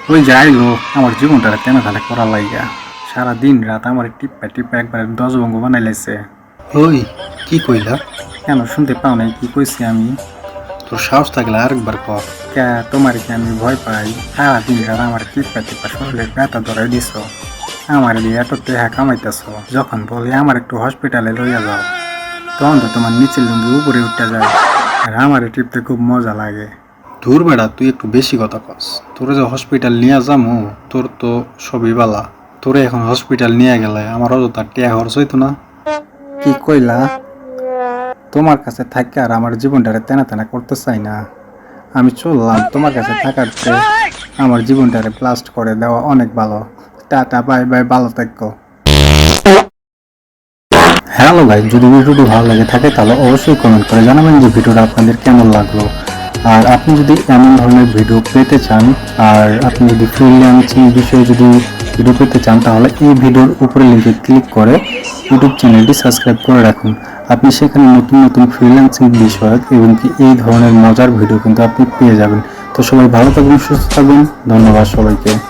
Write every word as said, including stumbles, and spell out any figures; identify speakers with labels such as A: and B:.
A: ওই যাইলো আমার জীবনটা তেনা তাহলে করার লাইগা সারা দিন রাত আমার টিপ্পা টিপ্পা একবার দশ বঙ্গ বানাই লাইছে।
B: ওই কি কইলা?
A: কেন শুনতে পাও নাই কি কইছি আমি?
B: তোর সাহস থাকলে আরেকবার কর।
A: কে তোমার কি আমি ভয় পাই? সারা দিন রাত আমার টিপ্পা টিপ্পা শরীরে ব্যথা ধরাই দিছ, আমার দিয়ে এত টেহা কামাইতেছ, যখন বলি আমার একটু হসপিটালে লইয়া যাও তখন তো তোমার নিচের লুঙ্গি উপরে উঠতে যায় আর আমার টিপতে খুব মজা লাগে।
B: দূর বেড়া, তুই একটু বেশি কথা কস। তোরে যে হসপিটাল নিয়ে যামু, তোর তো সবই বালা। তোরে এখন হসপিটাল নিয়ে গেলে আমার অযথা টিয়া খরচ হইতো না।
A: কি কইলা? তোমার কাছে থাকি আর আমার জীবনটারে তেনা তেনা করতে চাই না। আমি চললাম, তোমার কাছে থাকার চেয়ে আমার জীবনটারে ব্লাস্ট করে দেওয়া অনেক ভালো। টাটা বাই বাই, ভালো থাকো। হ্যালো গাইস, যদি ভিডিওটি ভালো লাগে থাকে তাহলে অবশ্যই কমেন্ট করে জানাবেন যে ভিডিওটা আপনাদের কেমন লাগলো। আর আপনি যদি এমন ধরনের ভিডিও পেতে চান আর আপনি যদি ফ্রিল্যান্সিং বিষয়ে যদি ভিডিও পেতে চান তাহলে এই ভিডিওর উপরে লিঙ্কে ক্লিক করে ইউটিউব চ্যানেলটি সাবস্ক্রাইব করে রাখুন। আপনি সেখানে নতুন নতুন ফ্রিল্যান্সিং বিষয়ক এবং কি এই ধরনের মজার ভিডিও কিন্তু আপনি পেয়ে যাবেন। তো সবাই ভালো থাকবেন, সুস্থ থাকবেন, ধন্যবাদ সবাইকে।